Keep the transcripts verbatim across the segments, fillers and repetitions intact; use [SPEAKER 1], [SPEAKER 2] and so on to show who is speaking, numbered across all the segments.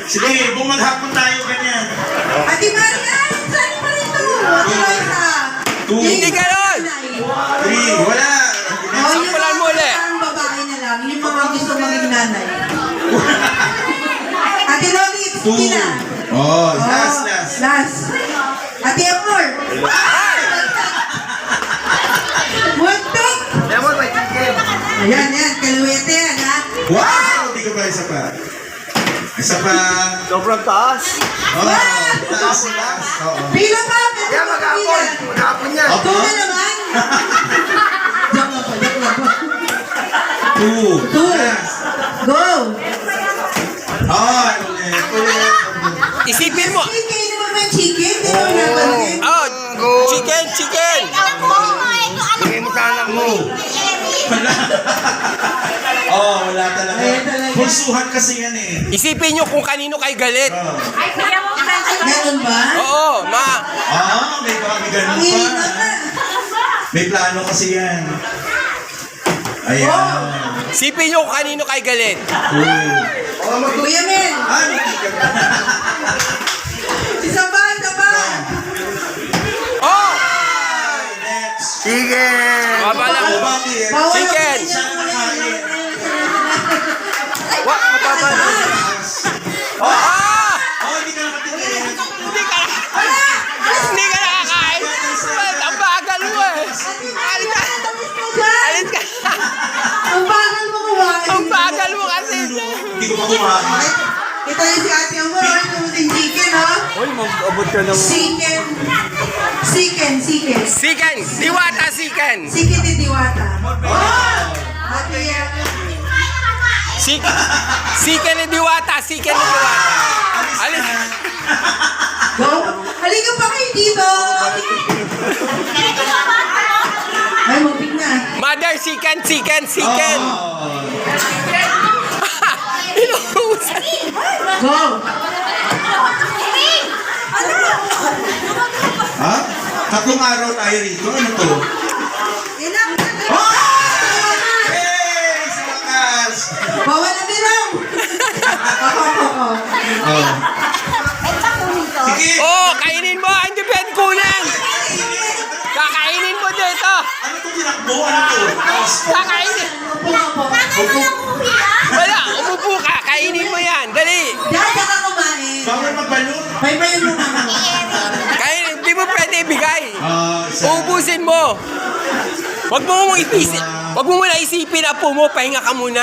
[SPEAKER 1] Sige, bumaghapon tayo ganyan.
[SPEAKER 2] Ate Maria, saan pa rin to? Ate Loisa.
[SPEAKER 1] Two.
[SPEAKER 3] Hindi ganon!
[SPEAKER 1] Three. Wala.
[SPEAKER 2] Oh, yung
[SPEAKER 3] Sampulan mo ulit.
[SPEAKER 2] mga babae na lang, yung mga gusto maging nanay. Ate Loli, it's
[SPEAKER 1] Two.
[SPEAKER 2] Tina.
[SPEAKER 1] Oh, last, last.
[SPEAKER 2] Last. Ate Amor. Muntik.
[SPEAKER 3] Lemon, may chicken.
[SPEAKER 2] Ayan, yan. Kaluwete yan, ha?
[SPEAKER 1] Wow! Hindi ko pa isa pa. Isa pa.
[SPEAKER 3] Sobrang taas.
[SPEAKER 1] Oh, taas, taas. Oo.
[SPEAKER 2] Pila pa. Pila
[SPEAKER 3] Kaya
[SPEAKER 2] pa.
[SPEAKER 3] maghapon. Maghapon yan.
[SPEAKER 1] Opo.
[SPEAKER 2] Two na naman. Joke lang po, joke lang po.
[SPEAKER 1] Two.
[SPEAKER 2] Two.
[SPEAKER 1] Last.
[SPEAKER 2] Go.
[SPEAKER 1] Oh, ulit. Ulit.
[SPEAKER 3] Isipin mo.
[SPEAKER 2] Chicken, hindi mo naman chicken. Hindi mo naman.
[SPEAKER 3] Oh, chicken, chicken.
[SPEAKER 4] Bigay mo sa anak mo.
[SPEAKER 1] Wala. Oh, wala talaga.
[SPEAKER 2] Ayan talaga.
[SPEAKER 1] Pulsuhan kasi yan eh.
[SPEAKER 3] Isipin nyo kung kanino kayo galit.
[SPEAKER 1] Oh.
[SPEAKER 2] Ganon ba?
[SPEAKER 3] Oo, ma.
[SPEAKER 1] Ah, may ba? May ganun
[SPEAKER 2] Ang hirap
[SPEAKER 1] pa.
[SPEAKER 2] na.
[SPEAKER 1] May plano kasi yan. Ayan.
[SPEAKER 3] Isipin nyo kung kanino kayo galit.
[SPEAKER 1] Oh.
[SPEAKER 2] Kuya Mel.
[SPEAKER 1] Ah, may ticket.
[SPEAKER 2] Isa pa, isa pa.
[SPEAKER 3] Oh!
[SPEAKER 1] Next.
[SPEAKER 4] Sige.
[SPEAKER 3] Baba lang.
[SPEAKER 1] Oh, bakit?
[SPEAKER 2] Bawal ang
[SPEAKER 3] Chicken.
[SPEAKER 2] kuya
[SPEAKER 1] Sana nakain.
[SPEAKER 3] Wa, mababa lang. Oh, ah!
[SPEAKER 1] Oh, hindi ka nakatingin.
[SPEAKER 3] Hindi ka Hindi ka nakakain. Ba't ang bagal mo eh. Alit ka. Alit ka.
[SPEAKER 2] Ang bagal mo kumain.
[SPEAKER 3] Ang bagal mo kasi.
[SPEAKER 1] Hindi ko pa kumain.
[SPEAKER 2] Kita niyo si Ate Amor, oh, yung ting chicken, ha?
[SPEAKER 3] Uy, mag-abot ka ng...
[SPEAKER 2] Chicken. Chicken, chicken.
[SPEAKER 3] Siken. Diwata siken.
[SPEAKER 2] Chicken ni Diwata. Oh! Ate,
[SPEAKER 3] Sik Siken ni Diwata. Siken ni Diwata. Alis.
[SPEAKER 2] go. Halika pa kayo dito. Ay, mabig na.
[SPEAKER 3] Mother, siken, siken, siken.
[SPEAKER 1] Oh.
[SPEAKER 3] Inuusan.
[SPEAKER 2] Go.
[SPEAKER 1] Ha? Tatlong araw tayo rito. Ano to?
[SPEAKER 2] Ilang.
[SPEAKER 1] Oh! Hey! Sa wakas!
[SPEAKER 2] Bawal na bilang. Ako, ako, ako.
[SPEAKER 1] Oh. Sige!
[SPEAKER 3] Oh, kainin mo. Hindi pwede kunin. Kakainin mo dito.
[SPEAKER 1] Ano to tinakbo? Ano to?
[SPEAKER 3] Kakainin.
[SPEAKER 2] Upo, upo.
[SPEAKER 3] Wala, umupo ka. Kainin mo yan. Dali.
[SPEAKER 2] Dada ka kumain.
[SPEAKER 1] Bawal magbalon.
[SPEAKER 2] Baybayin mo naman.
[SPEAKER 3] Kainin. Hindi mo pwede ibigay.
[SPEAKER 1] Ah, isa.
[SPEAKER 3] Uubusin mo. Wag mo mong ipisip. Wag mo muna isipin apo mo. Pahinga ka muna.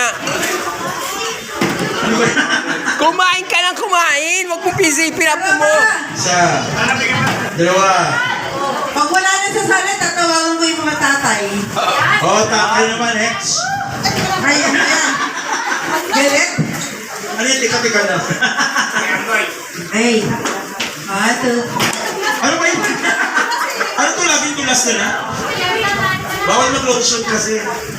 [SPEAKER 1] Ano ba yan?
[SPEAKER 3] Kumain ka ng kumain. Wag mong isipin apo mo.
[SPEAKER 1] Isa. Dalawa.
[SPEAKER 2] Pag wala na sa sala, tatawagan mo yung mga tatay.
[SPEAKER 1] Oh, tatay naman. Next.
[SPEAKER 2] Ay, ano yan? Galit?
[SPEAKER 1] Ano yung tika-tika na?
[SPEAKER 2] Ay. Ato.
[SPEAKER 1] Ano ba yun? Ano to? Laging tulas na na? Bawal mag-lotion kasi.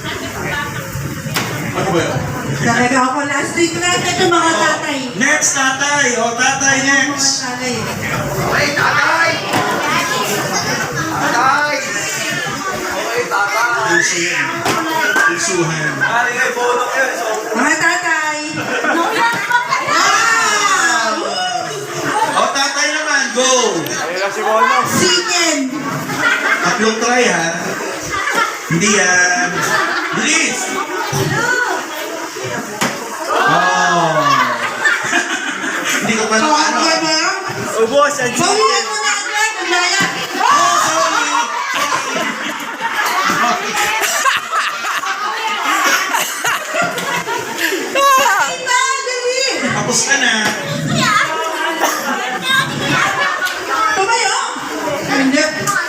[SPEAKER 1] Ano ba yun?
[SPEAKER 2] Talaga ako last week lang ito mga tatay.
[SPEAKER 1] Next, tatay. O, tatay,
[SPEAKER 2] Mga
[SPEAKER 1] next.
[SPEAKER 2] tatay.
[SPEAKER 4] Okay, tatay. Tatay. Okay, tatay.
[SPEAKER 1] Puso yan. Pusuhan.
[SPEAKER 2] Mga tatay.
[SPEAKER 1] O, tatay naman. Go.
[SPEAKER 2] Chicken.
[SPEAKER 1] Tatlong try, ha? Hindi yan. Bilis. Oh. Hindi ko pa na ano.
[SPEAKER 2] Kaya ba?
[SPEAKER 3] Ubos ang
[SPEAKER 2] Bawian mo na agad. Ang daya.
[SPEAKER 1] Oh, sorry.
[SPEAKER 2] Ay, ba? Dali.
[SPEAKER 1] Tapos ka na.
[SPEAKER 2] Tumayo. Hindi.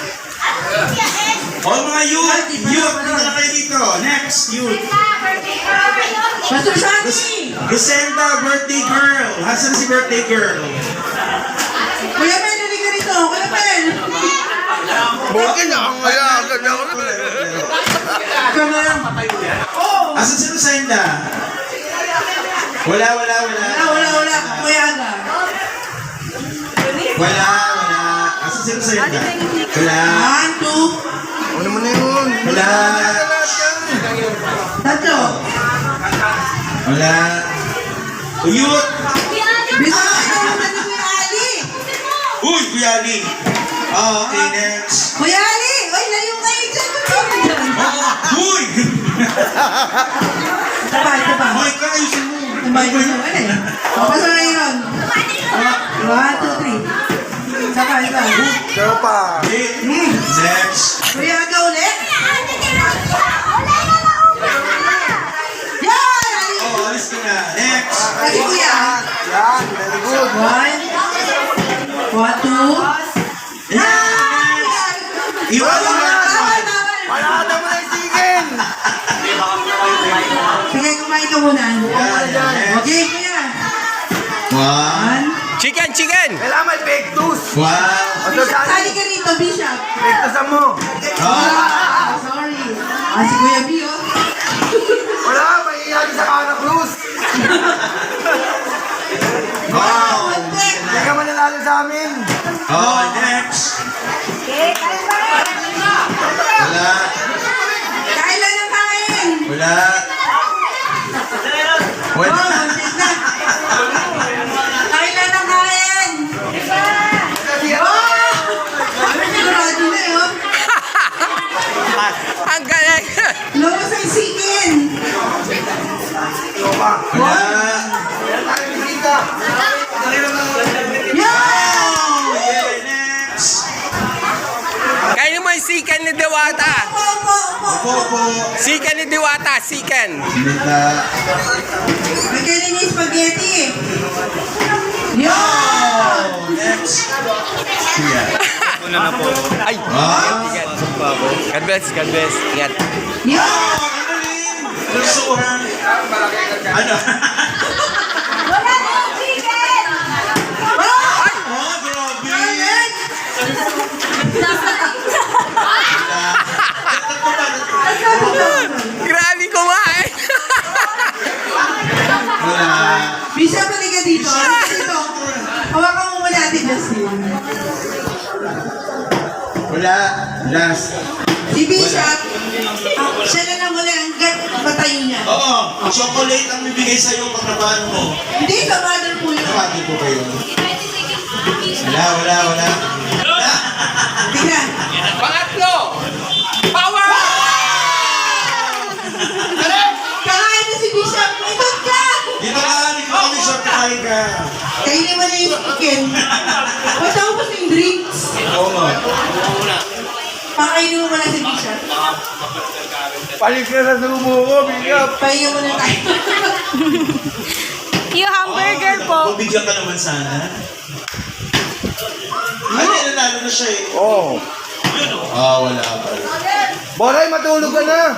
[SPEAKER 1] O, mga youth. Youth, dito na kayo dito. Next, youth.
[SPEAKER 2] Pastor Shani.
[SPEAKER 1] Lucenda, birthday girl. Hasan si birthday girl?
[SPEAKER 2] Kuya Mel, nali ka rito. Kuya Mel.
[SPEAKER 4] Bukin na ang alaga na ako.
[SPEAKER 2] Ikaw na lang.
[SPEAKER 1] Asan si Lucenda? Wala, wala, wala.
[SPEAKER 2] Wala, wala, wala. Kuya Aga.
[SPEAKER 1] Wala, wala. Asan si Lucenda? Wala.
[SPEAKER 2] One, two.
[SPEAKER 4] Ano mo na yun?
[SPEAKER 1] Wala.
[SPEAKER 2] Tatlo.
[SPEAKER 1] Wala. Youth.
[SPEAKER 2] Bisa ka ito muna ni Kuya Ali.
[SPEAKER 1] Uy, Kuya Ali. Ah, okay, next.
[SPEAKER 2] Kuya Ali! Uy, layo kayo dyan.
[SPEAKER 1] Oh, uy!
[SPEAKER 2] Taba, taba.
[SPEAKER 1] Uy, kaayusin mo.
[SPEAKER 2] Taba, ito mo. Ano eh? Tapos na yun. One, two, three. Saka, isa.
[SPEAKER 4] Pero pa.
[SPEAKER 1] Okay, next.
[SPEAKER 2] Kuya Aga ulit. Yan! Ali!
[SPEAKER 1] Oh, alis ka na. Next.
[SPEAKER 2] Kasi kuya.
[SPEAKER 4] Yan, very good.
[SPEAKER 2] One. One, two. Yan!
[SPEAKER 1] Iwan mo na.
[SPEAKER 2] Tawal, tawal.
[SPEAKER 4] Palata mo na yung chicken.
[SPEAKER 2] Sige, kumain ka muna.
[SPEAKER 1] Yan, yan,
[SPEAKER 2] Okay,
[SPEAKER 1] next.
[SPEAKER 2] kuya.
[SPEAKER 1] One.
[SPEAKER 3] Chicken, chicken!
[SPEAKER 4] Kailangan may pektus.
[SPEAKER 1] Wow.
[SPEAKER 4] Ito
[SPEAKER 2] Bishop,
[SPEAKER 4] sali.
[SPEAKER 2] sali ka rito, Bishop.
[SPEAKER 4] Pektusan mo.
[SPEAKER 1] Ah.
[SPEAKER 2] Ah, sorry. Ah, si Kuya B, oh.
[SPEAKER 4] Wala, maihihagi sa Ana Cruz.
[SPEAKER 1] Wow.
[SPEAKER 4] Hindi ka mananalo sa amin.
[SPEAKER 1] Oh, next. Wala.
[SPEAKER 2] Kailan ang kain?
[SPEAKER 1] Wala.
[SPEAKER 2] Oh,
[SPEAKER 1] Wala.
[SPEAKER 2] buntis na. Kailan ang kain? Oh! Ano sigurado na eh, oh.
[SPEAKER 3] Ang galing!
[SPEAKER 2] Lobos ang sikin.
[SPEAKER 4] Ito pa.
[SPEAKER 1] Wala.
[SPEAKER 4] Meron tayong bisita.
[SPEAKER 2] Yan!
[SPEAKER 1] Okay, next.
[SPEAKER 3] Kainin mo yung sikan ni Diwata!
[SPEAKER 2] Opo, opo, opo.
[SPEAKER 1] Opo, opo.
[SPEAKER 3] Sikan ni Diwata, sikan!
[SPEAKER 1] Sinita.
[SPEAKER 2] Magkailan yung spaghetti eh. Yan!
[SPEAKER 1] Oh, next. Kuya.
[SPEAKER 3] Ay!
[SPEAKER 1] Ah.
[SPEAKER 3] God bless, God bless. Ingat.
[SPEAKER 2] Yan!
[SPEAKER 1] Oh, ang galing. Gustuhan. Ano?
[SPEAKER 2] Wala na yung chicken! Oh!
[SPEAKER 1] Oh, grabe.
[SPEAKER 2] Alright!
[SPEAKER 3] Grabe kumain!
[SPEAKER 1] Wala.
[SPEAKER 2] Bishop, halika dito. Halika dito. Hawakan mo muna natin, Justin.
[SPEAKER 1] Wala. Last.
[SPEAKER 2] Si Bishop, ah, siya na lang muna hanggat matayo niya.
[SPEAKER 1] Oo. Chocolate ang bibigay sa'yo pag nabaan mo.
[SPEAKER 2] Hindi, sa mother po yun.
[SPEAKER 1] Nakati po kayo. Wala, wala, wala. Wala.
[SPEAKER 2] Tingnan.
[SPEAKER 3] Pangatlo! Power!
[SPEAKER 2] Kakain na si Bishop. Ikot ka!
[SPEAKER 1] Dito ka, dito kami short kain ka.
[SPEAKER 2] Kainin mo na yung chicken. Matapos na yung drinks.
[SPEAKER 1] Oo nga.
[SPEAKER 2] Pakainin mo muna si Bishop.
[SPEAKER 4] Palit ka sa sumo ko, bigap.
[SPEAKER 2] Pahinga muna tayo.
[SPEAKER 5] Yung hamburger po.
[SPEAKER 1] Mabigyan ka naman sana. Ay, nanalo na siya eh.
[SPEAKER 4] Oo.
[SPEAKER 1] Ah, wala pa.
[SPEAKER 4] Boray, matulog ka na.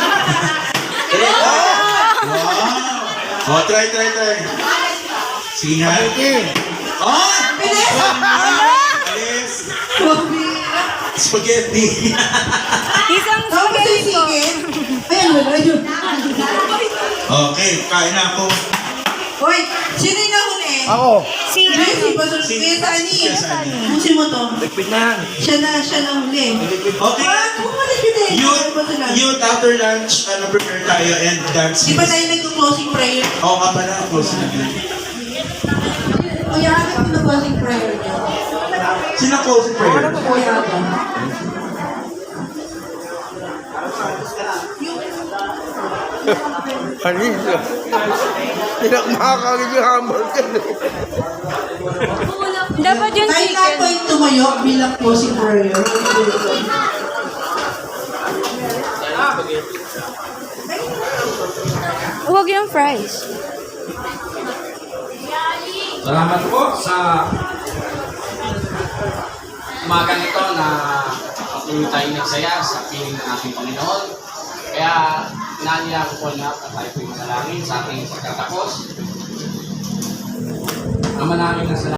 [SPEAKER 1] Wow! Oh, try, try, try. Sige nga.
[SPEAKER 4] Okay.
[SPEAKER 1] Oh!
[SPEAKER 2] Bilis!
[SPEAKER 1] Alis!
[SPEAKER 2] Pabira.
[SPEAKER 1] Spaghetti!
[SPEAKER 5] Isang
[SPEAKER 2] Tapos na yung
[SPEAKER 5] spaghetti po.
[SPEAKER 2] chicken. Ayan, wala yun.
[SPEAKER 1] Okay, kain na ako.
[SPEAKER 2] Hoy, sino yung nahuli?
[SPEAKER 4] Ako.
[SPEAKER 5] Si
[SPEAKER 2] Ay, si Pastor Kuya Sani.
[SPEAKER 1] Kuya Sani.
[SPEAKER 2] Busin mo to.
[SPEAKER 4] Ligpit na.
[SPEAKER 2] Siya na, siya na huli.
[SPEAKER 1] Okay.
[SPEAKER 2] Ah, bumalik yun eh.
[SPEAKER 1] Youth, youth after lunch, ano, prepare tayo and dance.
[SPEAKER 2] Di ba tayo nag-closing prayer?
[SPEAKER 1] Oo nga pala, close na.
[SPEAKER 2] Kuya, agad yung closing prayer niya.
[SPEAKER 1] Sino closing prayer?
[SPEAKER 2] Kuya, agad.
[SPEAKER 4] Alis. Hindi na makakagin yung hamburger.
[SPEAKER 5] Dapat yung
[SPEAKER 2] Tayo na po
[SPEAKER 5] chicken.
[SPEAKER 2] yung tumayo bilang closing prayer.
[SPEAKER 5] Huwag yung fries.
[SPEAKER 6] Salamat po sa umagang ito na patuloy tayo nagsaya sa piling ng ating Panginoon. Kaya naniya ko po na tayo po yung salangin sa ating pagkatapos. Ama namin na salamat.